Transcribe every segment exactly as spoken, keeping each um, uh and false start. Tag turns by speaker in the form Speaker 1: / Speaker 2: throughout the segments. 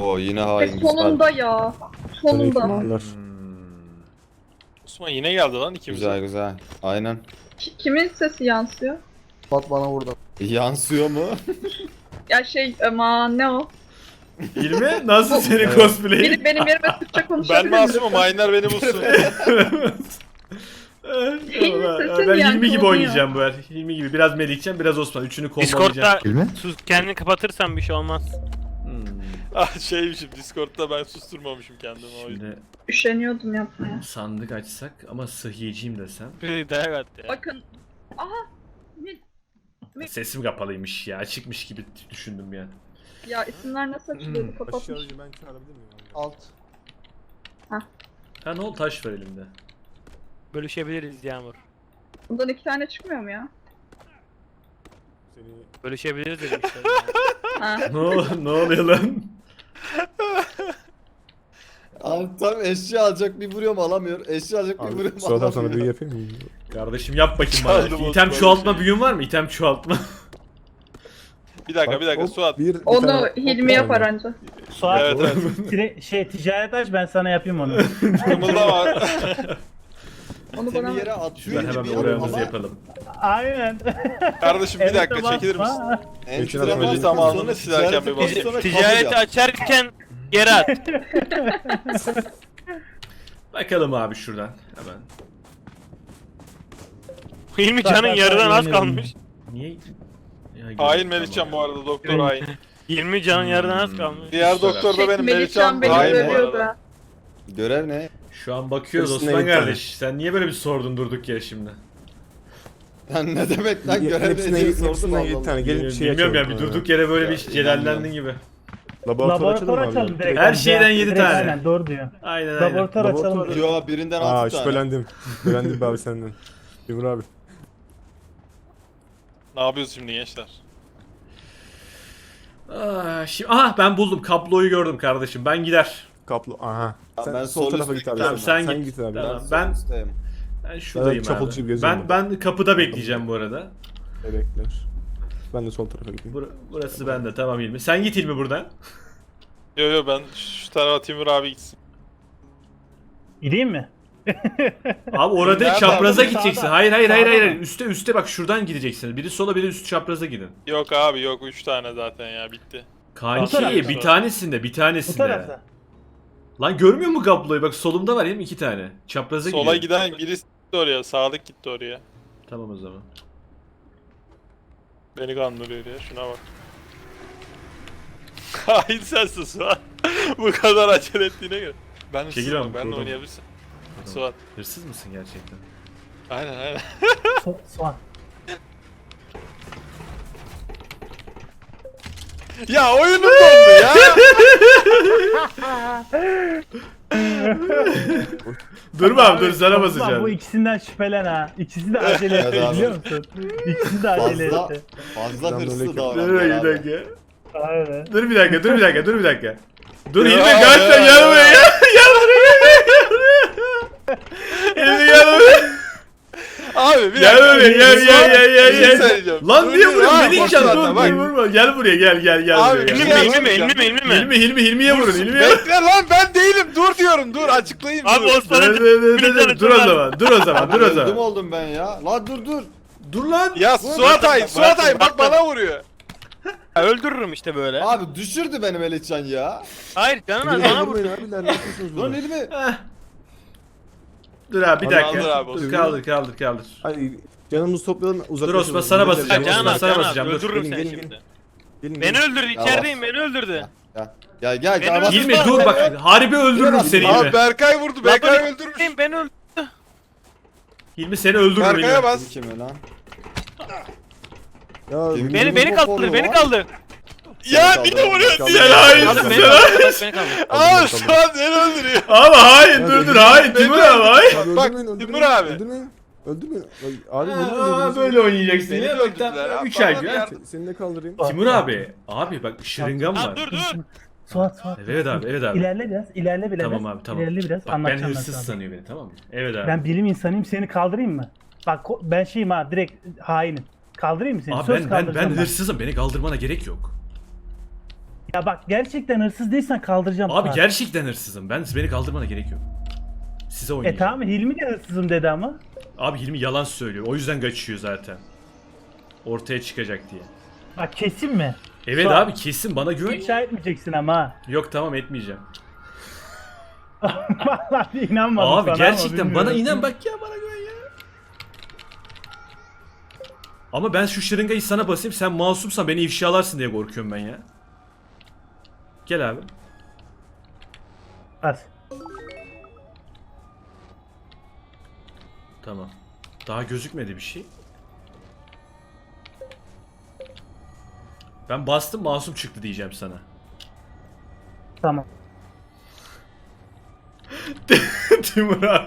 Speaker 1: Oo yine
Speaker 2: E,
Speaker 1: hain
Speaker 2: sonunda ya. Sonunda.
Speaker 3: Ihtimaller.
Speaker 4: Osman yine geldi lan ikimize.
Speaker 1: Güzel güzel. Aynen.
Speaker 2: Ki- Kimin sesi yansıyor?
Speaker 3: Pat bana vurdu.
Speaker 1: Yansıyor mu?
Speaker 2: Ya şey aman ne o?
Speaker 5: İlmi nasıl senin
Speaker 1: Evet.
Speaker 5: cosplay'in?
Speaker 2: Biri benim yerime Türkçe konuşabilir
Speaker 4: Ben
Speaker 2: mi
Speaker 4: masumum,
Speaker 2: lütfen?
Speaker 4: hainler beni bulsun.
Speaker 2: sesin
Speaker 5: ben
Speaker 2: yankılanıyor.
Speaker 5: Hilmi gibi oynayacağım bu el. Hilmi gibi. Biraz Melih'cem, biraz Osman. Üçünü kombolayacağım.
Speaker 6: Discord'da
Speaker 3: İlmi?
Speaker 6: sus kendini kapatırsan bir şey olmaz.
Speaker 5: Hmm.
Speaker 4: ah şeymişim, Discord'da ben susturmamışım kendimi o yüzden.
Speaker 5: Şimdi
Speaker 2: Üşeniyordum yapmaya.
Speaker 5: sandık açsak ama sıhhiyeciyim desem.
Speaker 6: Bir dayak at ya.
Speaker 2: Bakın. Aha. Ne-
Speaker 5: Sesim kapalıymış ya. Açıkmış gibi düşündüm ya.
Speaker 2: Ya isimler nasıl açılıyordu? Kapatmış.
Speaker 3: Aşağıcı ben çağırabilir miyim? Alt.
Speaker 5: Ha ne oldu, taş var elimde.
Speaker 6: Bölüşebiliriz Yağmur.
Speaker 2: Bundan iki tane çıkmıyor mu ya?
Speaker 3: Seni...
Speaker 6: Bölüşebiliriz dedim işte.
Speaker 2: Ha.
Speaker 5: ne, ol- ne oluyor lan?
Speaker 1: Abi tam eşya alacak bir vuruyorum alamıyor. Eşya alacak bir
Speaker 3: Abi
Speaker 1: vuruyorum
Speaker 3: sıradan sonra büyü
Speaker 1: alamıyor.
Speaker 3: yapayım mı?
Speaker 5: Kardeşim yap bakayım
Speaker 4: Çaldım
Speaker 5: bana.
Speaker 4: o
Speaker 5: İtem
Speaker 4: böyle
Speaker 5: çoğaltma
Speaker 4: şey.
Speaker 5: büyün var mı? İtem çoğaltma.
Speaker 4: Bir dakika bir dakika
Speaker 3: Hop,
Speaker 4: Suat.
Speaker 3: Bir, bir
Speaker 2: Onu
Speaker 3: tane-
Speaker 2: Hilmi
Speaker 3: hop,
Speaker 2: yapar
Speaker 3: aynen.
Speaker 2: anca.
Speaker 7: Suat
Speaker 4: Evet evet.
Speaker 7: tire- şey ticaret aç ben sana yapayım onu.
Speaker 4: Kımıldama.
Speaker 2: Onu
Speaker 1: Seni
Speaker 2: bana
Speaker 1: yere
Speaker 5: Ben
Speaker 1: atıyor
Speaker 5: hemen
Speaker 1: gibi
Speaker 5: bir oranımızı
Speaker 1: ama
Speaker 5: yapalım.
Speaker 7: Aynen.
Speaker 4: Kardeşim bir dakika
Speaker 7: Evet,
Speaker 4: çekilir misin?
Speaker 7: basma.
Speaker 1: enstrümanı
Speaker 3: Geçen
Speaker 4: zamanını
Speaker 1: sonra
Speaker 4: silerken
Speaker 1: ticarete
Speaker 4: bir bakayım.
Speaker 1: sonra kabul
Speaker 6: Ticareti
Speaker 1: yap.
Speaker 6: açarken geri at.
Speaker 5: Bakalım abi şuradan hemen.
Speaker 6: Hilmi
Speaker 7: Bak,
Speaker 6: canın
Speaker 7: bak,
Speaker 6: yarıdan
Speaker 7: bak,
Speaker 6: az
Speaker 7: yeniyorum.
Speaker 6: kalmış.
Speaker 5: Niye? Ya,
Speaker 4: Hain Melihcan bu arada, doktor hain.
Speaker 6: Hilmi canın yarıdan az kalmış.
Speaker 4: Diğer
Speaker 5: Güzel.
Speaker 4: doktor da benim,
Speaker 2: Melihcan
Speaker 4: Melihcan
Speaker 2: beni
Speaker 4: hain bu
Speaker 2: dövüyordu
Speaker 4: arada.
Speaker 2: ha.
Speaker 1: Görev ne?
Speaker 5: Şu an bakıyoruz
Speaker 3: Hırsına
Speaker 5: Osman
Speaker 3: git
Speaker 5: kardeş. Sen niye böyle bir sordun durduk yere şimdi?
Speaker 1: Lan ne demek lan
Speaker 3: Ye-
Speaker 1: görev ne
Speaker 3: Hepsine
Speaker 1: diye
Speaker 3: git,
Speaker 1: sordum
Speaker 3: hepsine
Speaker 1: Allah
Speaker 3: git
Speaker 1: Allah.
Speaker 3: tane. Gelin bir şey
Speaker 5: Bilmiyorum ya,
Speaker 3: açalım.
Speaker 5: bir durduk yere böyle
Speaker 1: Ya,
Speaker 5: bir celallendin
Speaker 1: inanmıyorum.
Speaker 5: gibi.
Speaker 3: Laboratuvar,
Speaker 7: Laboratuvar
Speaker 3: açalım
Speaker 7: açalım
Speaker 3: mı
Speaker 7: direkt.
Speaker 5: Her
Speaker 7: Yani
Speaker 5: şeyden
Speaker 7: direkt-
Speaker 5: yedi
Speaker 7: direkt
Speaker 5: tane.
Speaker 7: Aynen doğru diyor.
Speaker 5: Aynen aynen.
Speaker 7: Laboratuvar açalım.
Speaker 3: Laboratuvar-
Speaker 7: direkt.
Speaker 1: Yo birinden
Speaker 3: abi? Aa
Speaker 1: altı tane.
Speaker 3: şüphelendim. Şüphelendim be abi senden. Timur abi.
Speaker 4: Ne yapıyoruz şimdi gençler?
Speaker 5: Aa, şimdi, aha ben buldum. Kabloyu gördüm kardeşim. Ben gider.
Speaker 3: Kaplı. Aha.
Speaker 1: Tamam,
Speaker 3: Sen
Speaker 1: ben
Speaker 3: sol
Speaker 1: sol
Speaker 3: tarafa
Speaker 1: üstte
Speaker 3: git abi.
Speaker 5: Tamam, sen
Speaker 3: sen
Speaker 5: git.
Speaker 3: git abi.
Speaker 5: Tamam.
Speaker 1: Ben,
Speaker 5: Ben-
Speaker 1: üstteyim.
Speaker 5: Ben şuradayım
Speaker 3: Evet, çapulcu gibi
Speaker 5: abi.
Speaker 3: geziyorum
Speaker 5: Ben ben kapıda bekleyeceğim bu arada.
Speaker 3: Bebekler. Ben de sol tarafa gideyim.
Speaker 5: Bur- burası bende, tamam İlmi. Sen git İlmi buradan.
Speaker 4: Yo yo ben şu tarafa Timur abi gitsin.
Speaker 7: Gideyim mi?
Speaker 5: Abi orada
Speaker 4: Nerede
Speaker 5: çapraza
Speaker 4: abi?
Speaker 5: gideceksin.
Speaker 7: Sağda.
Speaker 5: Hayır hayır hayır
Speaker 7: Sağda
Speaker 5: hayır.
Speaker 7: mı?
Speaker 5: Üste üste bak, şuradan gideceksiniz. Biri sola biri üst çapraza gidin.
Speaker 4: Yok abi yok, üç tane zaten ya, bitti.
Speaker 7: Bu
Speaker 5: Kanki
Speaker 7: tarafta.
Speaker 5: bir tanesinde bir
Speaker 7: Bu
Speaker 5: tanesinde.
Speaker 7: tarafta.
Speaker 5: Lan görmüyor mu kabloyu? Bak solumda var değil mi? İki tane. Çapraza
Speaker 4: Sola
Speaker 5: gidiyor.
Speaker 4: giden birisi gitti oraya, sağlık gitti oraya.
Speaker 5: Tamam o zaman.
Speaker 4: Beni kandırıyor ya, şuna bak. Hain sensin Suat. Bu kadar acele ettiğine göre. Ben
Speaker 5: Çekil
Speaker 4: hırsızım,
Speaker 5: abi,
Speaker 4: ben de
Speaker 5: kurdum.
Speaker 4: oynayabilirsin.
Speaker 5: Tamam.
Speaker 4: Suat.
Speaker 5: Hırsız mısın gerçekten?
Speaker 4: Aynen aynen.
Speaker 7: So soğan.
Speaker 4: Ya oyunum dondu ya.
Speaker 5: Dur abi dur, sana
Speaker 7: Osman, bu
Speaker 5: basacağım.
Speaker 7: ikisinden şüphelen ha. İkisi de acele
Speaker 1: Evet
Speaker 7: etti
Speaker 1: abi.
Speaker 7: biliyor musun? İkisi de acele
Speaker 1: Fazla,
Speaker 7: etti.
Speaker 1: fazla
Speaker 3: Ben
Speaker 1: hırslı
Speaker 3: böyle-
Speaker 5: Dur
Speaker 1: davranıyor
Speaker 5: bir
Speaker 1: abi.
Speaker 5: dakika.
Speaker 7: Aynen.
Speaker 5: Dur bir dakika, dur bir dakika, dur bir dakika. Dur
Speaker 4: Ya,
Speaker 5: İlmi
Speaker 4: ya,
Speaker 5: kaçma,
Speaker 4: ya.
Speaker 5: gel buraya gel. Gel buraya gel buraya. İlmi gel buraya.
Speaker 4: Abi bir
Speaker 5: Gel
Speaker 4: dakika.
Speaker 5: buraya gel gel gel
Speaker 4: Bir
Speaker 5: gel
Speaker 4: şey
Speaker 5: gel.
Speaker 4: söyleyeceğim.
Speaker 5: Lan
Speaker 4: Dur,
Speaker 5: niye
Speaker 4: dur,
Speaker 5: vuruyorsun?
Speaker 4: abi,
Speaker 5: Beni
Speaker 4: bak
Speaker 5: içeceğim,
Speaker 4: zaten,
Speaker 5: dur
Speaker 4: bak.
Speaker 5: dur vurma. Gel buraya gel gel gel.
Speaker 4: Abi,
Speaker 5: buraya,
Speaker 4: bir
Speaker 5: gel.
Speaker 4: şey
Speaker 6: İlmi mi?
Speaker 4: söyleyeceğim.
Speaker 6: İlmi mi? İlmi mi?
Speaker 5: Hilmi Hilmi Hilmi'ye vurun, Hilmi'ye vurun.
Speaker 4: Bekle lan, ben değilim, dur diyorum, dur açıklayayım.
Speaker 6: Abi
Speaker 4: dur.
Speaker 5: Dur
Speaker 6: Osman'ın
Speaker 5: dur dur dur, dur, dur o
Speaker 6: Dur.
Speaker 5: zaman, dur o zaman, dur o
Speaker 1: Öldüm
Speaker 5: zaman.
Speaker 1: oldum ben ya. Lan dur dur.
Speaker 5: Dur lan.
Speaker 4: Ya Suat Ay, Suat Ay bak bana vuruyor.
Speaker 6: öldürürüm işte böyle.
Speaker 1: Abi düşürdü beni Melihcan ya.
Speaker 6: Hayır canın az
Speaker 3: Beni
Speaker 6: bana vur.
Speaker 3: vurmayın abiler, ne yapıyorsunuz
Speaker 1: Lan
Speaker 3: burada?
Speaker 1: elimi.
Speaker 5: Heh. Dur abi bir
Speaker 3: Kaldır
Speaker 5: dakika.
Speaker 4: abi,
Speaker 5: Dur
Speaker 4: Osman.
Speaker 5: kaldır kaldır kaldır.
Speaker 3: Hayır, canımızı toplayalım, uzaklaşalım.
Speaker 5: Dur Osman, sana
Speaker 3: Gelin,
Speaker 5: basacağım.
Speaker 6: Ya
Speaker 5: Osman,
Speaker 6: Canan az,
Speaker 5: sana
Speaker 6: Canan az.
Speaker 5: basacağım, dur.
Speaker 6: Öldürürüm
Speaker 3: Gelin,
Speaker 6: seni
Speaker 3: gelin,
Speaker 6: şimdi.
Speaker 3: gelin,
Speaker 6: Beni
Speaker 3: gelin.
Speaker 6: öldürdü, içerideyim, beni öldürdü.
Speaker 1: Ya. Gel gel
Speaker 6: Beni
Speaker 1: gel. bak.
Speaker 5: Hilmi dur bak, harbi öldürürüm seni
Speaker 4: Abi
Speaker 5: Hilmi.
Speaker 4: Berkay vurdu, Berkay öldürmüş.
Speaker 6: Benim, beni öldürdü.
Speaker 5: Hilmi seni öldürürüm
Speaker 4: Berkay'a
Speaker 5: Hilmi.
Speaker 4: bas.
Speaker 1: Kim lan?
Speaker 3: Ya,
Speaker 1: Kim-
Speaker 6: Beni beni kaldır, beni kaldır.
Speaker 4: Ya niye vuruyorsun?
Speaker 3: Kaldır.
Speaker 5: Sen hainsin,
Speaker 6: Abi beni
Speaker 5: sen
Speaker 6: kaldır, beni kaldır.
Speaker 4: Aa Suat beni öldürüyor.
Speaker 5: Abi hain,
Speaker 3: Ya,
Speaker 5: dur dur
Speaker 3: beni-
Speaker 5: hain, Timur abi hain.
Speaker 4: Bak,
Speaker 3: öldürmeyin,
Speaker 4: Timur
Speaker 3: öldürmeyin,
Speaker 4: abi.
Speaker 3: Öldürmeyin. Öldürmeyin. Abi
Speaker 5: Aa,
Speaker 3: vurmayın.
Speaker 5: böyle oynayacaksın
Speaker 4: Beni
Speaker 5: ya.
Speaker 4: de
Speaker 5: Bak
Speaker 4: öldürdüler
Speaker 5: tam
Speaker 4: abi,
Speaker 5: üç ay
Speaker 4: bana
Speaker 5: gün.
Speaker 4: yardım-
Speaker 3: Seni de kaldırayım.
Speaker 5: Timur abi, abi bak şırıngam
Speaker 6: Ha
Speaker 5: var.
Speaker 6: dur dur.
Speaker 7: Suat Suat.
Speaker 5: Evet abi, evet abi.
Speaker 7: İlerle biraz, ilerle biraz.
Speaker 5: Tamam abi, tamam.
Speaker 7: İlerle biraz,
Speaker 5: Bak ben
Speaker 7: anlatacağım ben
Speaker 5: hırsız
Speaker 7: sana.
Speaker 5: sanıyor beni, tamam mı? Evet abi.
Speaker 7: Ben bilim insanıyım, seni kaldırayım mı? Bak ko- ben şeyim ha, direkt hainim. Kaldırayım mı seni?
Speaker 5: Abi
Speaker 7: Söz
Speaker 5: ben ben
Speaker 7: kaldıracağım
Speaker 5: ben hırsızım, beni kaldırmana gerek yok.
Speaker 7: Ya bak gerçekten hırsız değilsen kaldıracağım.
Speaker 5: Abi
Speaker 7: Suat.
Speaker 5: gerçekten hırsızım. Ben beni kaldırmana gerek yok. Size
Speaker 7: E
Speaker 5: oynayacağım.
Speaker 7: tamam Hilmi de hırsızım dedi ama.
Speaker 5: Abi Hilmi yalan söylüyor. O yüzden kaçıyor zaten. Ortaya çıkacak diye.
Speaker 7: Bak kesin mi?
Speaker 5: Evet
Speaker 7: Suat.
Speaker 5: abi kesin bana güven.
Speaker 7: İfşa etmeyeceksin ama ha.
Speaker 5: Yok tamam etmeyeceğim.
Speaker 7: Vallahi inanmadım
Speaker 5: Abi
Speaker 7: sana
Speaker 5: gerçekten
Speaker 7: ama
Speaker 5: bana
Speaker 7: bilmiyorum.
Speaker 5: inan bak ya bana güven ya. Ama ben şu şırıngayı sana basayım sen masumsan beni ifşalarsın diye korkuyorum ben ya. Gel abi.
Speaker 7: Bas.
Speaker 5: Tamam. Daha gözükmedi bir şey. Ben bastım masum çıktı diyeceğim sana.
Speaker 7: Tamam.
Speaker 5: Timur abi.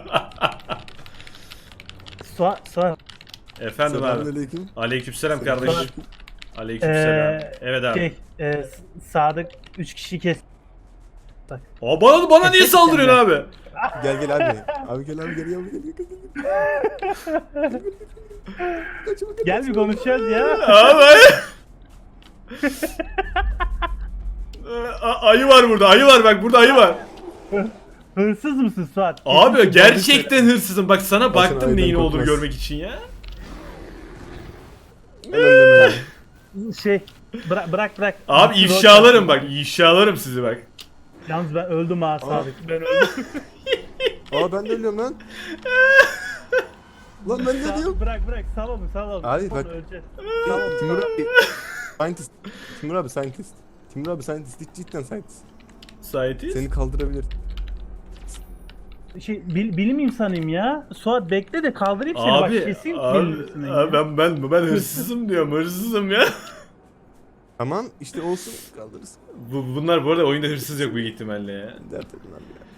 Speaker 7: Suat, Suat.
Speaker 5: Efendim abi.
Speaker 3: Selamünaleyküm.
Speaker 5: Aleykümselam
Speaker 3: Selam.
Speaker 5: kardeşim. Aleykümselam.
Speaker 7: Ee,
Speaker 5: Evet abi.
Speaker 7: Şey, e, S- Sadık üç kişi kes.
Speaker 5: Aa, bana bana niye saldırıyorsun abi?
Speaker 3: Gel gel abi. Abi gel abi gel abi gel. Gel, gel. Kaçma, kaçma.
Speaker 7: Gel bir konuşacağız ya.
Speaker 5: Abi. A- ayı var burada. Ayı var bak burada ayı var.
Speaker 7: Hırsız mısın Suat?
Speaker 5: Abi
Speaker 7: Kesin
Speaker 5: gerçekten hırsızım. Bak sana
Speaker 3: Bakın
Speaker 5: baktım
Speaker 3: ayıdan
Speaker 5: neyin olduğunu
Speaker 3: korkmaz.
Speaker 5: görmek için ya.
Speaker 3: Gel öldürme ya.
Speaker 7: konuşuyoruz. Şey, bırak bırak bırak.
Speaker 5: Abi
Speaker 7: Rol-
Speaker 5: ifşalarım bak. ifşalarım sizi bak.
Speaker 7: Yalnız ben öldüm ha Sadık. Ben öldüm.
Speaker 3: Aa ben de ölüyorum lan. Lan ben ne diyorum?
Speaker 7: Bırak bırak sal onu sal onu.
Speaker 3: Abi
Speaker 7: Sonra
Speaker 3: bak-
Speaker 7: öleceğiz.
Speaker 3: Timur abi. Scientist. Timur abi scientist. Timur abi scientist. Cidden scientist.
Speaker 5: Saitiz.
Speaker 3: Seni kaldırabilir.
Speaker 7: Şey, bil, bilim insanıyım ya. Suat bekle de kaldırayım seni
Speaker 5: Abi,
Speaker 7: bak kesin
Speaker 5: abi,
Speaker 7: bilmiyorsun
Speaker 5: abi
Speaker 7: ya.
Speaker 5: ben ben ben hırsızım diyorum. Hırsızım ya.
Speaker 3: Tamam işte olsun kaldırırız.
Speaker 5: Bu, bunlar bu arada oyunda hırsız yok büyük ihtimalle ya.
Speaker 3: Dert edin abi ya.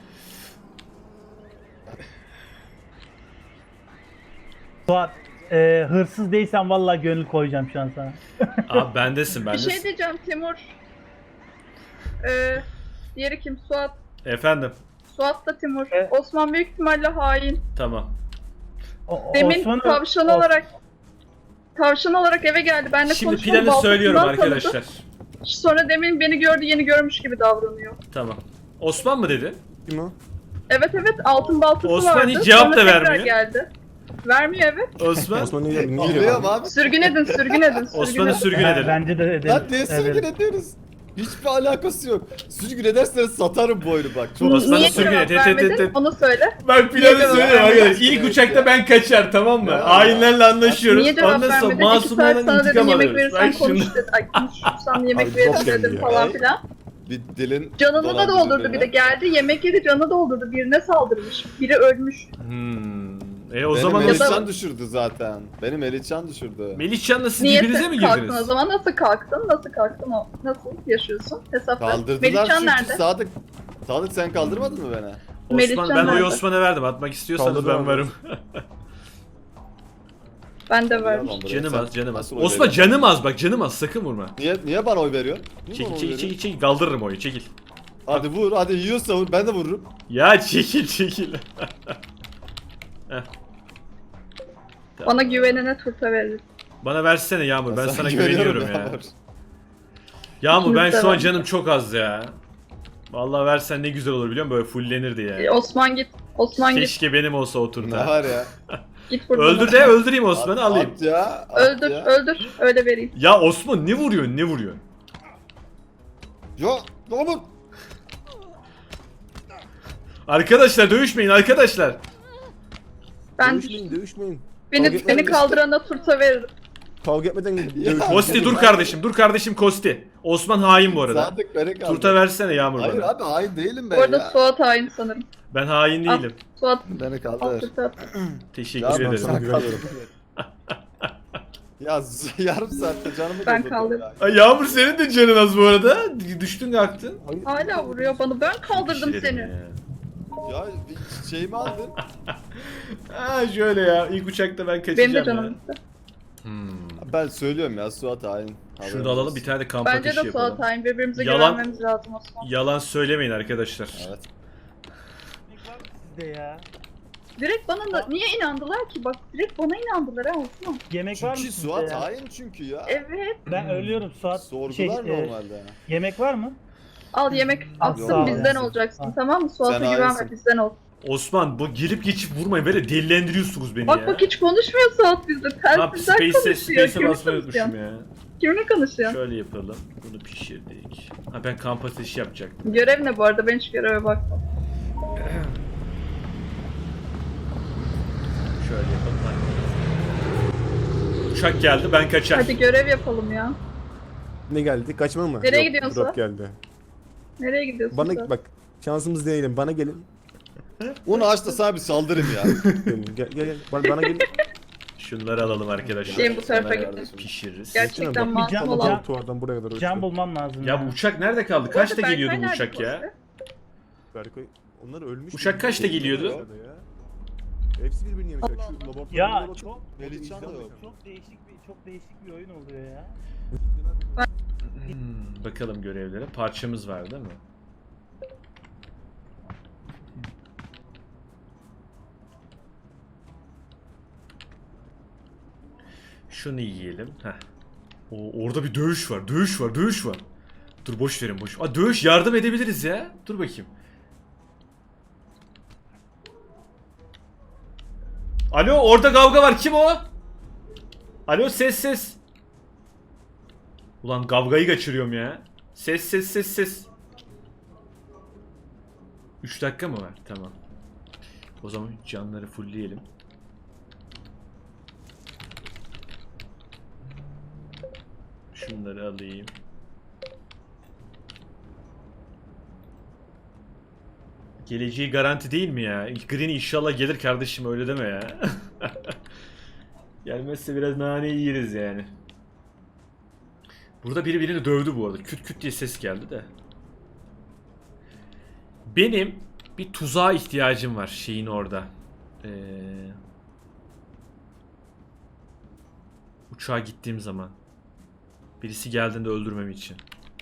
Speaker 7: Suat e, hırsız değilsen vallahi gönül koyacağım şu an sana.
Speaker 5: Abi bendesin
Speaker 2: Bir
Speaker 5: bendesin.
Speaker 2: şey diyeceğim Timur. Ee, diğeri kim? Suat.
Speaker 5: Efendim.
Speaker 2: Suat da Timur.
Speaker 7: Evet.
Speaker 2: Osman büyük ihtimalle hain.
Speaker 5: Tamam.
Speaker 7: O- o-
Speaker 2: Demin
Speaker 7: Osman'ı-
Speaker 2: tavşan
Speaker 7: Os-
Speaker 2: olarak tavşan olarak eve geldi. Benle
Speaker 5: Şimdi
Speaker 2: konuştum.
Speaker 5: planı
Speaker 2: baltasından
Speaker 5: söylüyorum
Speaker 2: tanıdı.
Speaker 5: arkadaşlar.
Speaker 2: Sonra demin beni gördü, yeni görmüş gibi davranıyor.
Speaker 5: Tamam. Osman mı dedi?
Speaker 3: Kim o?
Speaker 2: Evet evet, altın baltası
Speaker 5: Osman
Speaker 2: vardı.
Speaker 5: hiç cevap
Speaker 2: Sonra
Speaker 5: da
Speaker 2: tekrar
Speaker 5: vermiyor.
Speaker 2: geldi. Vermiyor evet.
Speaker 5: Osman.
Speaker 3: Osman ne geliyor? Ne
Speaker 1: Geliyor
Speaker 3: geliyor?
Speaker 1: abi.
Speaker 2: Sürgün edin, sürgün edin, sürgün
Speaker 5: Osman'ı
Speaker 2: edin.
Speaker 5: sürgün
Speaker 7: Ben-
Speaker 5: edelim.
Speaker 7: Bence de edelim.
Speaker 1: Lan niye sürgün
Speaker 7: Evet.
Speaker 1: ediyoruz? Hiçbir alakası yok. Sürgün ederseniz satarım bu oyunu bak. Çok
Speaker 5: Osman'ı
Speaker 2: Niye
Speaker 5: sürgün
Speaker 2: cevap
Speaker 5: et, et, et,
Speaker 2: vermedin?
Speaker 5: et, et.
Speaker 2: Onu söyle.
Speaker 5: Ben planı
Speaker 2: Niye cevap
Speaker 5: söylüyorum
Speaker 2: vermedin?
Speaker 5: arkadaşlar. İlk uçakta ben kaçar tamam mı? Hainlerle anlaşıyoruz.
Speaker 2: Niye cevap
Speaker 5: Ondan sonra
Speaker 2: vermedin? İki saat
Speaker 5: masumlardan
Speaker 2: sana dedim
Speaker 5: intikam
Speaker 2: yemek
Speaker 5: alıyoruz.
Speaker 2: verirsen
Speaker 5: Bak şimdi.
Speaker 2: konuş dedim. Ay konuşursan yemek
Speaker 3: Abi,
Speaker 2: veririm
Speaker 3: çok geldi
Speaker 2: dedim
Speaker 3: ya.
Speaker 2: falan filan.
Speaker 1: bir dilin
Speaker 2: Canını da
Speaker 1: dolandırdı
Speaker 2: doldurdu
Speaker 1: beni.
Speaker 2: bir de geldi yemek yedi canı doldurdu birine saldırmış. Biri ölmüş.
Speaker 5: Hmm. E o
Speaker 1: Benim
Speaker 5: zaman
Speaker 2: Ya da-
Speaker 1: Melihcan düşürdü zaten. Benim Melihcan düşürdü.
Speaker 5: Melihcan'la siz
Speaker 2: Niye
Speaker 5: birbirinize mi
Speaker 2: kalktın o
Speaker 5: girdiniz?
Speaker 2: zaman? Nasıl kalktın? Nasıl kalktın o? Nasıl yaşıyorsun? Hesap ver.
Speaker 1: Kaldırdılar
Speaker 2: Melihcan
Speaker 1: çünkü
Speaker 2: nerede?
Speaker 1: Sadık. Sadık sen kaldırmadın mı beni?
Speaker 5: Osman
Speaker 2: Melihcan
Speaker 5: ben oyu
Speaker 2: nerede?
Speaker 5: Osman'a verdim. Atmak istiyorsanız
Speaker 3: Kaldırdı
Speaker 5: ben
Speaker 3: abi.
Speaker 5: varım.
Speaker 2: Ben de vermiş.
Speaker 1: Yalan buraya.
Speaker 5: Canım
Speaker 1: Sen
Speaker 5: az, canım az.
Speaker 1: nasıl oy
Speaker 5: Osman
Speaker 1: veriyorsun?
Speaker 5: canım az bak canım az sakın vurma.
Speaker 1: Niye, niye bana oy veriyorsun? Niye
Speaker 5: Çekil
Speaker 1: bana oy
Speaker 5: çekil
Speaker 1: veriyorsun?
Speaker 5: çekil çekil kaldırırım oyu çekil.
Speaker 1: Hadi vur, hadi yiyorsa vur, ben de vururum.
Speaker 5: Ya çekil çekil.
Speaker 2: Bana güvenene turta verir.
Speaker 5: Bana versene Yağmur ben sana
Speaker 1: güveniyorum
Speaker 5: güveniyorum ya.
Speaker 1: Yağmur.
Speaker 5: Yağmur ben
Speaker 2: İkimiz de
Speaker 5: şu an
Speaker 2: var.
Speaker 5: canım çok az ya. Vallahi versen ne güzel olur biliyor musun? Böyle fullenirdi
Speaker 2: Ee,
Speaker 5: ya.
Speaker 2: Osman git. Osman git.
Speaker 5: Keşke benim olsa o
Speaker 1: Ne
Speaker 5: turda.
Speaker 1: var ya?
Speaker 2: Git buradan.
Speaker 5: Öldür de öldüreyim Osman'ı
Speaker 1: At-
Speaker 5: alayım.
Speaker 1: At ya. at
Speaker 2: Öldür,
Speaker 1: ya.
Speaker 2: öldür. Öyle vereyim.
Speaker 5: Ya Osman ne vuruyorsun ne vuruyorsun?
Speaker 1: Ya, Yağmur.
Speaker 5: Arkadaşlar dövüşmeyin arkadaşlar.
Speaker 2: Ben
Speaker 3: Dövüşmeyin dövüşmeyin.
Speaker 2: beni
Speaker 3: Kavga etmeyin.
Speaker 2: beni kaldırana turta veririm.
Speaker 3: Kavga etmeden dövüşmeyin.
Speaker 5: Kosti dur kardeşim dur kardeşim Kosti. Osman hain bu arada.
Speaker 1: Sadık beni kaldır.
Speaker 5: Turta versene Yağmur
Speaker 1: Hayır
Speaker 5: bana.
Speaker 1: abi hain değilim ben
Speaker 2: Bu arada
Speaker 1: ya.
Speaker 2: Suat hain sanırım.
Speaker 5: Ben hain
Speaker 2: Al,
Speaker 5: değilim.
Speaker 2: Suat
Speaker 1: Beni
Speaker 2: al
Speaker 1: kaldır.
Speaker 2: turta at.
Speaker 5: Teşekkür
Speaker 1: Ya,
Speaker 5: ederim.
Speaker 3: sana güveniyorum.
Speaker 1: Ya z- yarım saatte canımı
Speaker 2: Ben
Speaker 1: doldurdun
Speaker 2: kaldırdım.
Speaker 1: ya.
Speaker 5: Ay Yağmur senin de canın az bu arada. Düştün kalktın.
Speaker 2: Hala vuruyor bana. Ben kaldırdım
Speaker 5: Bir şey dedim
Speaker 2: seni.
Speaker 5: ya.
Speaker 1: Ya bir şeyimi aldın.
Speaker 5: Ha şöyle ya ilk uçakta ben kaçacağım
Speaker 2: Benim de
Speaker 5: ya.
Speaker 2: canım gitti.
Speaker 5: Hmm.
Speaker 1: Ben söylüyorum ya Suat hain. Haberin
Speaker 5: Şunu da alalım
Speaker 1: olsun.
Speaker 5: bir tane de kamp
Speaker 2: Bence
Speaker 5: ateşi
Speaker 2: de Suat
Speaker 5: yapalım.
Speaker 2: hain. Birbirimize
Speaker 5: Yalan-
Speaker 2: güvenmemiz lazım Osman.
Speaker 5: Yalan söylemeyin arkadaşlar.
Speaker 1: Evet.
Speaker 7: Sizde ya.
Speaker 2: Direkt bana da niye inandılar ki? Bak direkt bana inandılar ha Osman.
Speaker 7: Yemek var mı
Speaker 1: Çünkü
Speaker 7: sizde
Speaker 1: Suat
Speaker 7: ya?
Speaker 1: hain çünkü ya.
Speaker 2: Evet.
Speaker 7: Ben ölüyorum Suat.
Speaker 1: Sordular
Speaker 7: Şey, e,
Speaker 1: normalde.
Speaker 7: yemek var mı?
Speaker 2: Al yemek attım
Speaker 7: sağ ol
Speaker 2: bizden
Speaker 7: ya.
Speaker 2: olacaksın
Speaker 7: Al.
Speaker 2: tamam mı? Suat'a
Speaker 1: Sen
Speaker 2: güvenme
Speaker 1: hainsin.
Speaker 2: bizden ol.
Speaker 5: Osman bu gelip geçip vurmayın böyle delilendiriyorsunuz beni
Speaker 2: Bak
Speaker 5: ya.
Speaker 2: bak hiç konuşmuyor Suat bizde.
Speaker 5: Ha,
Speaker 2: Telsizden
Speaker 5: Space'e
Speaker 2: konuşuyor.
Speaker 5: Space'e
Speaker 2: Kimle
Speaker 5: basmayı
Speaker 2: konuşuyorsun?
Speaker 5: unutmuşum ya.
Speaker 2: Kimle konuşuyorsun?
Speaker 5: Şöyle yapalım. Bunu pişirdik. Ha ben kamp ateşi yapacaktım.
Speaker 2: Görev ne bu arada? Ben hiç göreve bakmam.
Speaker 5: Şöyle yapalım. Hadi. Uçak geldi ben kaçar.
Speaker 2: Hadi görev yapalım ya.
Speaker 3: Ne geldi? Kaçma mı?
Speaker 2: Nereye
Speaker 3: Yok,
Speaker 2: gidiyorsun
Speaker 3: drop
Speaker 2: Suat?
Speaker 3: geldi.
Speaker 2: Nereye gidiyorsun
Speaker 3: Bana
Speaker 2: Suat?
Speaker 3: bak. Şansımız deneyelim. Bana gelin.
Speaker 1: Onu aç da sana bir saldırayım ya.
Speaker 3: Gelin, Gel gel gel. Bana, bana gelin.
Speaker 5: Şunları alalım arkadaşlar.
Speaker 2: Şeyim bu tarafa
Speaker 1: Sana
Speaker 2: gittim.
Speaker 1: kardeşim.
Speaker 5: Pişiririz.
Speaker 2: Gerçekten
Speaker 3: Bak,
Speaker 2: masum
Speaker 7: can-
Speaker 2: olan.
Speaker 7: can-
Speaker 3: Tuvardan buraya kadar
Speaker 7: Can
Speaker 3: uçtu.
Speaker 7: bulmam lazım.
Speaker 5: Ya bu uçak nerede kaldı? Kaçta
Speaker 2: Berkay
Speaker 5: geliyordu bu
Speaker 2: nerede
Speaker 5: uçak ya?
Speaker 2: postu?
Speaker 3: Berkay, onlar ölmüş.
Speaker 5: Uçak
Speaker 3: mü?
Speaker 5: kaçta geliyordu?
Speaker 3: Ya. Hepsi birbirini yemiş. Şu laboratuvarda
Speaker 7: Ya
Speaker 3: laboratuvar-
Speaker 7: çok
Speaker 1: Melihcan da yok.
Speaker 7: çok değişik bir çok değişik bir oyun oluyor ya.
Speaker 5: Hmm, bakalım görevlere. Parçamız var değil mi? Şunu yiyelim. Heh. O, orada bir dövüş var. Dövüş var. Dövüş var. Dur boş verin boş. Aa, dövüş yardım edebiliriz ya. Dur bakayım. Alo orada kavga var. Kim o? Alo ses ses. Ulan kavgayı kaçırıyorum ya. Ses ses ses ses. üç dakika mı var? Tamam. O zaman canları fullleyelim. Şunları alayım. Geleceği garanti değil mi ya? Green inşallah gelir kardeşim öyle deme ya. Gelmezse biraz naneyi yeriz yani. Burada biri birini dövdü bu arada. Küt küt diye ses geldi de. Benim bir tuzağa ihtiyacım var şeyin orada. Ee, uçağa gittiğim zaman. Birisi geldiğinde öldürmem için.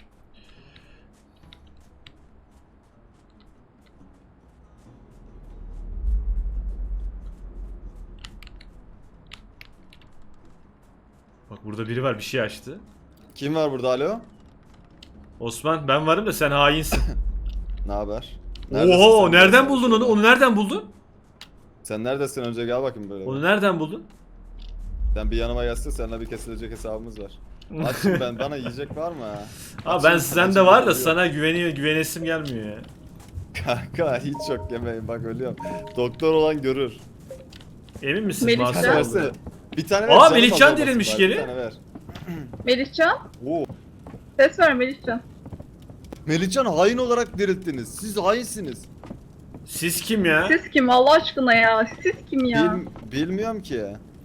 Speaker 5: Bak burada biri var bir şey açtı.
Speaker 1: Kim var burada alo?
Speaker 5: Osman ben varım da sen hainsin.
Speaker 1: Ne haber?
Speaker 5: Oho
Speaker 1: sen?
Speaker 5: nereden buldun onu? Onu nereden buldun?
Speaker 1: Sen neredesin önce gel bakayım böyle.
Speaker 5: Onu nereden buldun?
Speaker 1: Sen bir yanıma gelsene seninle bir kesilecek hesabımız var. Açım ben bana yiyecek var mı ha?
Speaker 5: Ha ben
Speaker 1: Açım,
Speaker 5: sende
Speaker 1: açım,
Speaker 5: var da
Speaker 1: ölüyorum.
Speaker 5: sana güveniyor güvenesim gelmiyor ya.
Speaker 1: Kanka hiç çok yemeyin bak ölüyorum. Doktor olan görür.
Speaker 5: Emin misin
Speaker 2: Melih
Speaker 5: masum
Speaker 2: Can.
Speaker 5: olduğunu?
Speaker 1: Versene. Bir tane
Speaker 5: Aa,
Speaker 1: ver. canım
Speaker 5: Melihcan
Speaker 1: azalmasın
Speaker 5: dirilmiş
Speaker 1: bari,
Speaker 5: geri.
Speaker 1: Bir tane ver.
Speaker 2: Melihcan.
Speaker 1: Oo.
Speaker 2: Ses ver Melihcan.
Speaker 1: Melihcan hain olarak dirilttiniz. Siz hainsiniz.
Speaker 5: Siz kim ya?
Speaker 2: Siz kim Allah aşkına ya? Siz kim ya?
Speaker 1: Bil, bilmiyorum ki.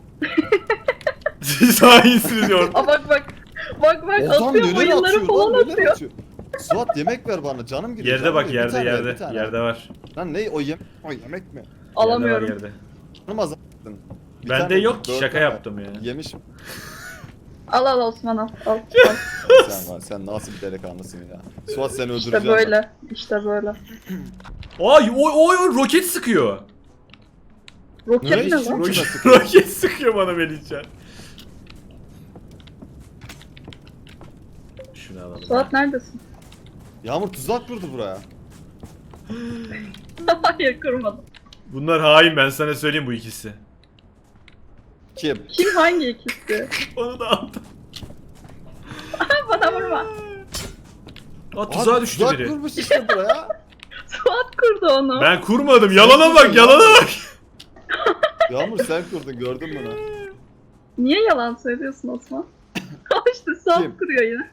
Speaker 5: Siz hainsiniz diyor.
Speaker 2: Aa bak bak. Bak bak
Speaker 1: Adam
Speaker 2: atıyor
Speaker 1: neler
Speaker 2: mayınları
Speaker 1: atıyor
Speaker 2: falan
Speaker 1: lan neler
Speaker 2: atıyor.
Speaker 1: atıyor. Suat yemek ver bana canım gidiyor.
Speaker 5: Yerde
Speaker 1: canım
Speaker 5: bak
Speaker 1: gidiyor. Bir
Speaker 5: yerde
Speaker 1: tane ver,
Speaker 5: yerde.
Speaker 1: bir tane.
Speaker 5: Yerde var.
Speaker 1: Lan ne o yemek o yemek mi?
Speaker 2: Alamıyorum.
Speaker 5: Yerde var yerde.
Speaker 1: Canım azalttın. Bir
Speaker 5: Bende
Speaker 1: tane
Speaker 5: yok ki
Speaker 1: dört
Speaker 5: şaka
Speaker 1: tane
Speaker 5: yaptım ya.
Speaker 1: Yemişim.
Speaker 2: Al al Osman al. Al. al.
Speaker 1: Sen var sen nasıl bir delikanlısın ya. Suat seni
Speaker 2: İşte
Speaker 1: öldüreceğim.
Speaker 2: böyle. İşte böyle.
Speaker 5: Ay oy oy oy roket sıkıyor.
Speaker 2: Roket
Speaker 1: Ne
Speaker 2: ne
Speaker 1: iş?
Speaker 2: lan?
Speaker 1: Kime
Speaker 5: Roket,
Speaker 1: sıkıyor?
Speaker 5: roket sıkıyor bana Melihcan. Şunu alalım.
Speaker 2: Suat neredesin?
Speaker 1: Yağmur tuzak kurdu buraya.
Speaker 2: Hayır kurmadım.
Speaker 5: Bunlar hain ben sana söyleyeyim bu ikisi.
Speaker 1: Kim?
Speaker 2: Kim hangi ikisi?
Speaker 5: Onu da aldım.
Speaker 2: Bana vurma.
Speaker 5: Aa tuzağa
Speaker 1: Abi,
Speaker 5: düştü
Speaker 1: tuzak
Speaker 5: biri.
Speaker 1: kurmuş işte buraya.
Speaker 2: Suat kurdu onu.
Speaker 5: Ben kurmadım. Yalana bak yalana bak.
Speaker 1: Yağmur sen kurdun gördün mü bunu?
Speaker 2: Niye yalan söylüyorsun Osman? Al işte Suat
Speaker 1: Kim?
Speaker 2: kuruyor yine.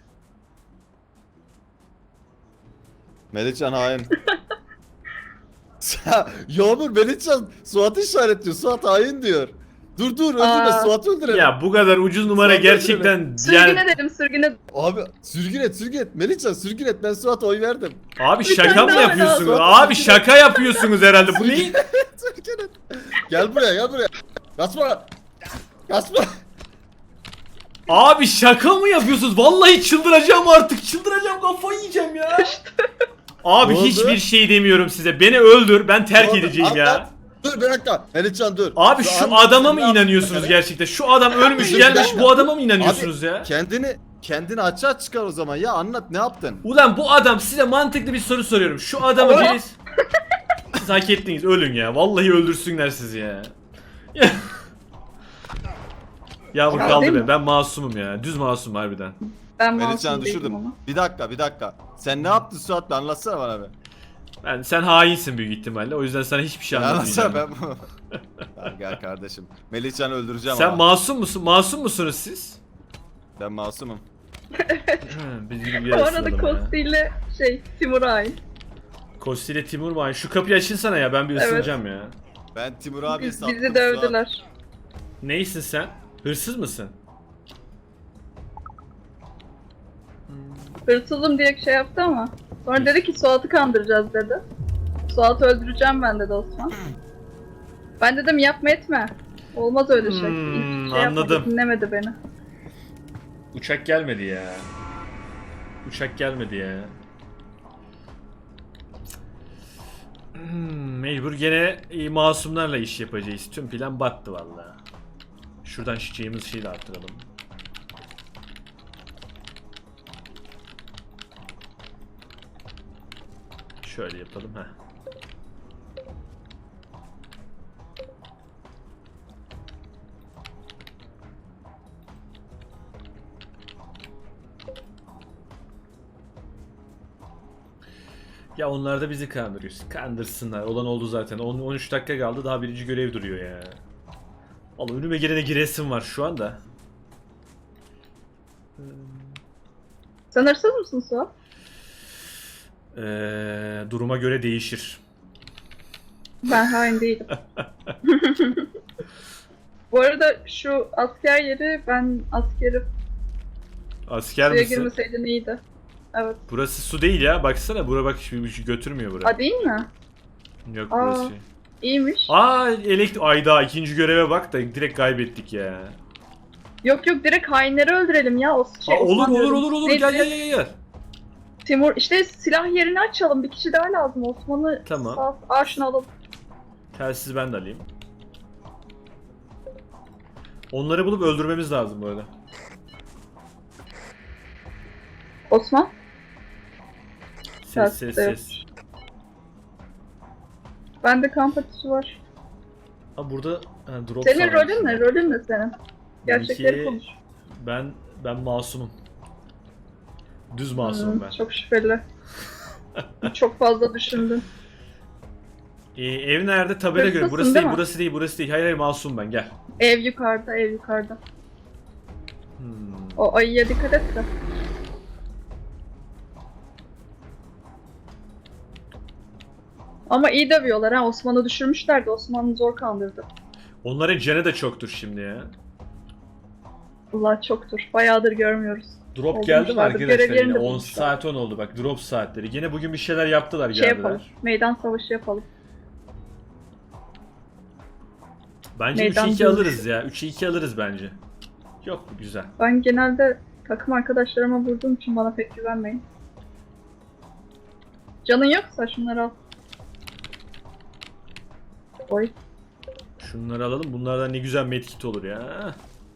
Speaker 1: Melihcan hain. Yağmur Melihcan Suat'ı işaretliyor. Suat hain diyor. Dur dur öldürme
Speaker 2: Aa.
Speaker 1: Suat'ı öldürelim.
Speaker 5: Ya bu kadar ucuz numara
Speaker 1: Sen
Speaker 5: gerçekten
Speaker 2: Sürgün
Speaker 5: yani
Speaker 2: edelim sürgün
Speaker 1: Abi sürgün et sürgün et. Melihcan sürgün et ben Suat'a oy verdim.
Speaker 5: abi
Speaker 2: Bir
Speaker 5: şaka
Speaker 2: tane
Speaker 5: mı
Speaker 2: daha
Speaker 5: yapıyorsunuz?
Speaker 1: lazım.
Speaker 5: Abi şaka yapıyorsunuz herhalde. Bu ne?
Speaker 1: Sürgün et. Gel buraya gel buraya. Kaçma. Kaçma.
Speaker 5: Abi şaka mı yapıyorsunuz? Vallahi çıldıracağım artık. Çıldıracağım kafayı yiyeceğim ya. Abi
Speaker 1: Ne oldu?
Speaker 5: hiçbir şey demiyorum size. Beni öldür. Ben terk
Speaker 1: Ne oldu?
Speaker 5: edeceğim ya.
Speaker 1: Anlat. Dur bir dakika. Melihcan dur.
Speaker 5: Abi
Speaker 1: Dur,
Speaker 5: şu
Speaker 1: anlat.
Speaker 5: adama mı
Speaker 1: Ne
Speaker 5: inanıyorsunuz
Speaker 1: yaptın?
Speaker 5: gerçekten? Şu adam ölmüş
Speaker 1: Bir
Speaker 5: gelmiş
Speaker 1: dakika.
Speaker 5: bu adama mı inanıyorsunuz ya?
Speaker 1: Kendini kendini açığa çıkar o zaman ya, anlat ne yaptın?
Speaker 5: Ulan bu adam, size mantıklı bir soru soruyorum. Şu adamı birisi... Siz hak ettiniz, ölün ya. Vallahi öldürsünler sizi ya. Yağmur
Speaker 2: Ya
Speaker 5: kaldı
Speaker 2: değil
Speaker 5: be.
Speaker 2: mi?
Speaker 5: Ben masumum ya. Düz masum harbiden.
Speaker 2: Ben
Speaker 1: Melihcan'ı
Speaker 2: masum değilim
Speaker 1: düşürdüm.
Speaker 2: ama.
Speaker 1: Bir dakika bir dakika. Sen ne yaptın Suat, bir anlatsana bana be.
Speaker 5: Ben, sen hainsin büyük ihtimalle. O yüzden sana hiçbir şey
Speaker 1: Ya
Speaker 5: anlatmayacağım.
Speaker 1: anlatsana ben bu. Ya gel kardeşim. Melihcan'ı öldüreceğim
Speaker 5: Sen
Speaker 1: ama.
Speaker 5: masum musun? Masum musunuz siz?
Speaker 1: Ben masumum.
Speaker 5: Hı, Biz gibi bir
Speaker 2: Bu arada
Speaker 5: arasındalım ya.
Speaker 2: Kosti ile şey Timur'a ait.
Speaker 5: Kosti ile Timur mu? Ay, şu kapıyı açınsana ya, ben bir
Speaker 2: Evet.
Speaker 5: ısınacağım ya.
Speaker 1: Ben Timur abiye
Speaker 2: Biz,
Speaker 1: sattım.
Speaker 2: bizi dövdüler.
Speaker 5: Neysin sen? Hırsız mısın?
Speaker 2: Hırsızım diye şey yaptı ama. Sonra dedi ki Suat'ı kandıracağız dedi. Suat'ı öldüreceğim ben dedi Osman. Ben dedim yapma etme. Olmaz öyle şey.
Speaker 5: Hmm,
Speaker 2: Hiç şey yapmadı,
Speaker 5: anladım.
Speaker 2: dinlemedi beni.
Speaker 5: Uçak gelmedi ya. Uçak gelmedi ya. Hmm, mecbur gene e, masumlarla iş yapacağız. Tüm plan battı vallahi. Şuradan çiçeğimiz şeyle arttıralım. Şöyle yapalım ha. Ya onlar da bizi kandırıyor. Kandırsınlar. Olan oldu zaten. on on üç dakika kaldı. Daha birinci görev duruyor ya. Vallahi önüme gelene giresim var şu anda.
Speaker 2: Sen hırsız mısın Suat?
Speaker 5: Ee, duruma göre değişir.
Speaker 2: Ben hain değilim. Bu arada şu asker yeri, ben askeri
Speaker 5: Asker
Speaker 2: suya
Speaker 5: misin?
Speaker 2: girmeseydin iyiydi. Evet.
Speaker 5: Burası su değil ya. Baksana bura bak bir şey götürmüyor bura.
Speaker 2: A değil mi?
Speaker 5: Yok
Speaker 2: Aa.
Speaker 5: burası şey.
Speaker 2: İyiymiş.
Speaker 5: Aa elektrik. Ayda ikinci göreve bak da direkt kaybettik ya.
Speaker 2: Yok yok direkt hainleri öldürelim ya. O şey,
Speaker 5: Aa, olur
Speaker 2: Osman
Speaker 5: olur
Speaker 2: diyorum.
Speaker 5: olur olur.
Speaker 2: Neydi?
Speaker 5: Gel gel gel gel.
Speaker 2: Timur işte silah yerini açalım. Bir kişi daha lazım. Osman'ı
Speaker 5: Tamam.
Speaker 2: sağ Aa, şunu alalım.
Speaker 5: Telsiz ben de alayım. Onları bulup öldürmemiz lazım böyle.
Speaker 2: Osman.
Speaker 5: Ses
Speaker 2: Telsiz
Speaker 5: ses
Speaker 2: de yok.
Speaker 5: ses.
Speaker 2: Bende kamp ateşi var.
Speaker 5: Ha burada ha, drop
Speaker 2: Senin
Speaker 5: sanırım.
Speaker 2: rolün ne? Rolün ne senin? Gerçekleri
Speaker 5: Benimki-
Speaker 2: konuş.
Speaker 5: Ben ben masumum. Düz masumum
Speaker 2: Hmm,
Speaker 5: ben.
Speaker 2: Çok şüpheli. Çok fazla düşündün.
Speaker 5: Ee, ev nerede? Tabela göre.
Speaker 2: Hırsızsın
Speaker 5: Burası
Speaker 2: değil
Speaker 5: değil,
Speaker 2: mi?
Speaker 5: burası değil, burası değil. Hayır hayır masum ben gel.
Speaker 2: Ev yukarıda, ev yukarıda.
Speaker 5: Hmm.
Speaker 2: O ayıya dikkat et de. Ama iyi dövüyorlar ha. Osman'ı düşürmüşler de Osman'ı zor kandırdı.
Speaker 5: Onların canı da çoktur şimdi ya.
Speaker 2: Allah çoktur. Bayağıdır görmüyoruz.
Speaker 5: Drop geldi mi
Speaker 2: Olmuşlardır,
Speaker 5: arkadaşlar
Speaker 2: görevlerini
Speaker 5: yine?
Speaker 2: de
Speaker 5: on
Speaker 2: bulmuşlar.
Speaker 5: saat on oldu bak drop saatleri. Yine bugün bir şeyler yaptılar
Speaker 2: Şey yapalım.
Speaker 5: geldiler.
Speaker 2: Meydan savaşı yapalım.
Speaker 5: Bence
Speaker 2: Meydan
Speaker 5: üçe iki
Speaker 2: dövüş.
Speaker 5: alırız ya. üçe iki alırız bence. Yok güzel.
Speaker 2: Ben genelde takım arkadaşlarıma vurduğum için bana pek güvenmeyin. Canın yoksa şunları al. Oy.
Speaker 5: Şunları alalım. Bunlardan ne güzel medkit olur ya.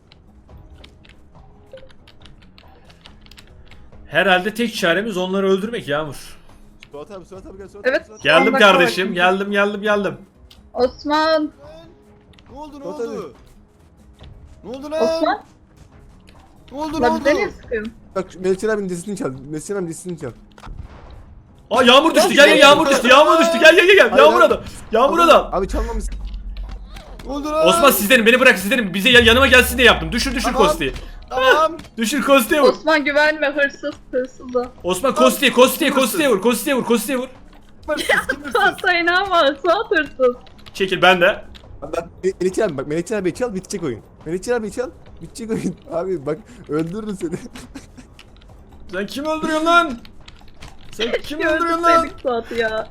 Speaker 5: Herhalde tek çaremiz onları öldürmek Yağmur.
Speaker 3: Suat abi Suat abi gel Suat
Speaker 2: Evet.
Speaker 3: abi. Suat abi.
Speaker 5: Geldim
Speaker 2: On dakika
Speaker 5: kardeşim.
Speaker 2: var.
Speaker 5: Geldim geldim geldim.
Speaker 2: Osman!
Speaker 1: Ne oldu ne
Speaker 3: Suat
Speaker 1: oldu? Ne oldu lan?
Speaker 2: Osman!
Speaker 1: Ne oldu ne
Speaker 2: La
Speaker 1: oldu?
Speaker 2: bize niye sıkıyorsun?
Speaker 3: Bak Melihcan abinin desisini çal. Melihcan abinin desisini çal.
Speaker 5: Aa yağmur düştü. Gel gel yağmur düştü. Yağmur düştü. Gel gel gel gel.
Speaker 3: Hayır,
Speaker 5: Yağmur
Speaker 3: hayır.
Speaker 5: adam. Yağmur adam.
Speaker 3: Abi çalmamışsın.
Speaker 1: Ne oldu lan?
Speaker 5: Osman sizlerin beni bırak sizlerin bize ya- yanıma gelsin diye yaptım. Düşür düşür
Speaker 1: Tamam.
Speaker 5: Kosti'yi.
Speaker 1: Tamam.
Speaker 5: Düşür Kosti'ye vur.
Speaker 2: Osman güvenme hırsız hırsız o.
Speaker 5: Osman Kosti'ye Kosti'ye Kosti'ye vur. Kosti'ye vur. Kosti'ye vur.
Speaker 1: Hırsız, kim hırsız?
Speaker 2: Suat sayın ama Suat hırsız.
Speaker 5: Çekil ben de.
Speaker 3: Abi bak Melihcan abi bak Melihcan abi çal bitecek oyun. Melihcan abi çal bitecek oyun. Abi bak öldürürüm seni.
Speaker 5: Sen kim öldürüyorsun lan? Sen kim
Speaker 2: Keşke
Speaker 5: öldürüyorsun lan?
Speaker 2: öldürseydik Suat'ı ya.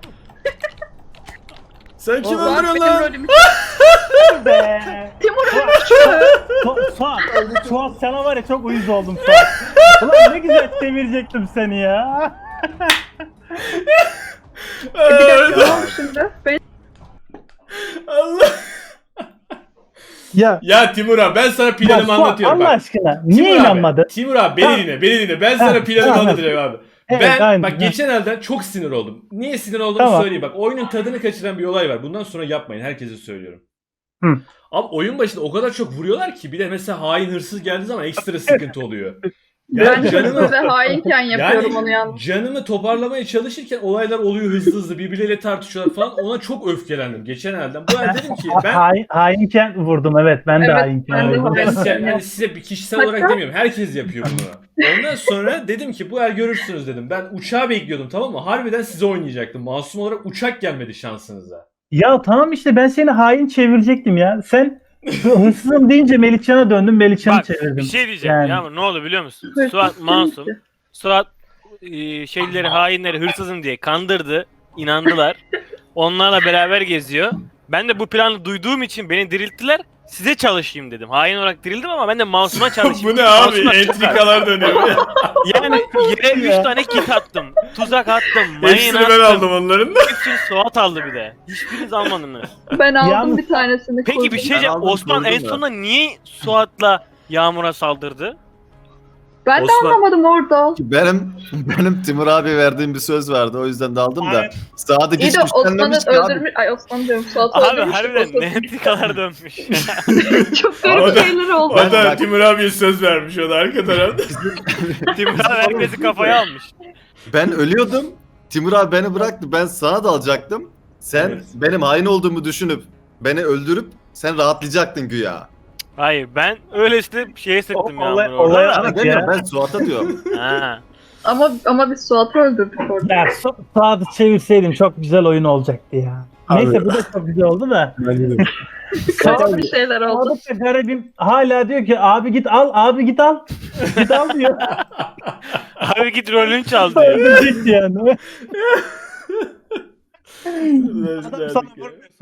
Speaker 5: Sen kim
Speaker 3: Suat
Speaker 2: Suat
Speaker 5: öldürüyorsun
Speaker 2: benim
Speaker 5: lan?
Speaker 2: rolümü
Speaker 7: Be.
Speaker 2: Timur
Speaker 7: Su- Suat, Suat sana var ya çok uyuz oldum Suat. Ulan ne güzel devirecektim seni ya.
Speaker 2: Bir dakika ne oldu şimdi? Ben
Speaker 5: Allah.
Speaker 7: Ya
Speaker 5: Ya Timur abi ben sana
Speaker 7: ya
Speaker 5: planımı
Speaker 7: Suat,
Speaker 5: anlatıyorum
Speaker 7: Allah
Speaker 5: bak.
Speaker 7: aşkına niye
Speaker 5: Timur abi,
Speaker 7: inanmadın?
Speaker 5: Timur abi beni
Speaker 7: Tamam.
Speaker 5: dinle, beni dinle. Ben sana
Speaker 7: Ha,
Speaker 5: planımı
Speaker 7: tamam.
Speaker 5: anlatacağım abi.
Speaker 7: Evet,
Speaker 5: ben
Speaker 7: aynen.
Speaker 5: bak geçen elden çok sinir oldum. Niye sinir olduğumu
Speaker 7: Tamam.
Speaker 5: söyleyeyim. Bak oyunun tadını kaçıran bir olay var. Bundan sonra yapmayın. Herkese söylüyorum.
Speaker 7: Hı.
Speaker 5: Abi oyun başında o kadar çok vuruyorlar ki bir de mesela hain hırsız geldiği zaman ekstra sıkıntı oluyor.
Speaker 2: Ben
Speaker 5: Yani
Speaker 2: canımı
Speaker 5: canımı
Speaker 2: ve hainken yapıyorum onu yalnız.
Speaker 5: canımı toparlamaya çalışırken olaylar oluyor hızlı hızlı birbirleriyle tartışıyorlar falan. Ona çok öfkelendim geçen elden. Bu el dedim ki ben
Speaker 7: Hain, hainken vurdum evet ben de
Speaker 2: Evet,
Speaker 7: hainken
Speaker 2: ben de
Speaker 7: vurdum.
Speaker 5: ben
Speaker 2: hain-
Speaker 5: size, yani size bir kişisel olarak
Speaker 2: Hatta-
Speaker 5: demiyorum. Herkes yapıyor bunu. Ondan sonra dedim ki bu el görürsünüz dedim. Ben uçağı bekliyordum tamam mı? Harbiden size oynayacaktım. Masum olarak uçak gelmedi şansınıza.
Speaker 7: Ya tamam işte ben seni hain çevirecektim ya. Sen hırsızım deyince Melihcan'a döndüm Melihcan'ı
Speaker 6: Bak
Speaker 7: çevirdim.
Speaker 6: bir şey diyeceğim
Speaker 7: Yani.
Speaker 6: ya ne oldu biliyor musun?
Speaker 2: Hırsız
Speaker 6: Suat masum.
Speaker 2: kimse.
Speaker 6: Suat e, şeyleri hainleri hırsızım diye kandırdı. İnandılar. Onlarla beraber geziyor. Ben de bu planı duyduğum için beni dirilttiler. Size çalışayım dedim. Hain olarak dirildim ama ben de masuma çalışayım.
Speaker 5: Bu ne abi?
Speaker 6: Masuma-
Speaker 5: Entrikalar dönüyor.
Speaker 6: Yani yere üç tane kit attım. Tuzak attım. Mayın
Speaker 5: Hepsini
Speaker 6: attım.
Speaker 5: ben aldım onların da.
Speaker 6: Hepsini Suat aldı bir de. Hiçbiriniz almadınız.
Speaker 2: Ben aldım
Speaker 7: Yalnız-
Speaker 2: bir tanesini.
Speaker 6: Peki bir şey
Speaker 1: Ben
Speaker 6: diyeceğim.
Speaker 1: aldım,
Speaker 6: Osman en
Speaker 1: gördüm ya.
Speaker 6: sonunda niye Suat'la Yağmur'a saldırdı?
Speaker 2: Ben de
Speaker 5: Osman-
Speaker 2: anlamadım orada.
Speaker 1: Benim benim Timur abi verdiğim bir söz vardı. O yüzden de aldım da.
Speaker 6: Aynen.
Speaker 1: Sadık
Speaker 2: İyi
Speaker 1: hiç
Speaker 2: de Osman'ı
Speaker 1: güçlenmemiş ki abi.
Speaker 2: öldürmüş... Ay Osman diyorum. Suat'ı
Speaker 6: Abi
Speaker 2: öldürmüş.
Speaker 6: harbiden ne entrikalar dönmüş.
Speaker 2: Çok
Speaker 5: O
Speaker 2: garip
Speaker 5: da-
Speaker 2: şeyler oldu.
Speaker 5: O da
Speaker 1: bak-
Speaker 5: Timur abiye söz vermiş o da arka tarafta.
Speaker 6: Timur abi herkesi kafaya almış.
Speaker 1: Ben ölüyordum. Timur abi beni bıraktı. Ben sana dalacaktım. Sen
Speaker 5: Evet.
Speaker 1: benim hain olduğumu düşünüp beni öldürüp sen rahatlayacaktın güya.
Speaker 6: Hayır ben öylesine şeye sıktım
Speaker 7: O- olay-
Speaker 6: Yağmur'u
Speaker 7: olay-
Speaker 6: orada.
Speaker 1: Ama
Speaker 7: Bak
Speaker 1: demiyorum
Speaker 7: ya.
Speaker 1: ben Suat'a diyorum.
Speaker 6: Ha.
Speaker 2: Ama ama biz Suat'ı öldürdük orada.
Speaker 7: Ya Su- Suat'ı çevirseydim çok güzel oyun olacaktı ya.
Speaker 3: Abi.
Speaker 7: Neyse bu da çok güzel oldu da.
Speaker 3: Ben de.
Speaker 2: Garip bir şeyler oldu.
Speaker 7: Sadık da garibim hala diyor ki abi git al abi git al. Git al diyor.
Speaker 6: Abi git rolünü çal diyor.
Speaker 7: Öldürecek yani. Adam
Speaker 5: Verdik
Speaker 7: sana
Speaker 5: ya.
Speaker 7: vurmuyor.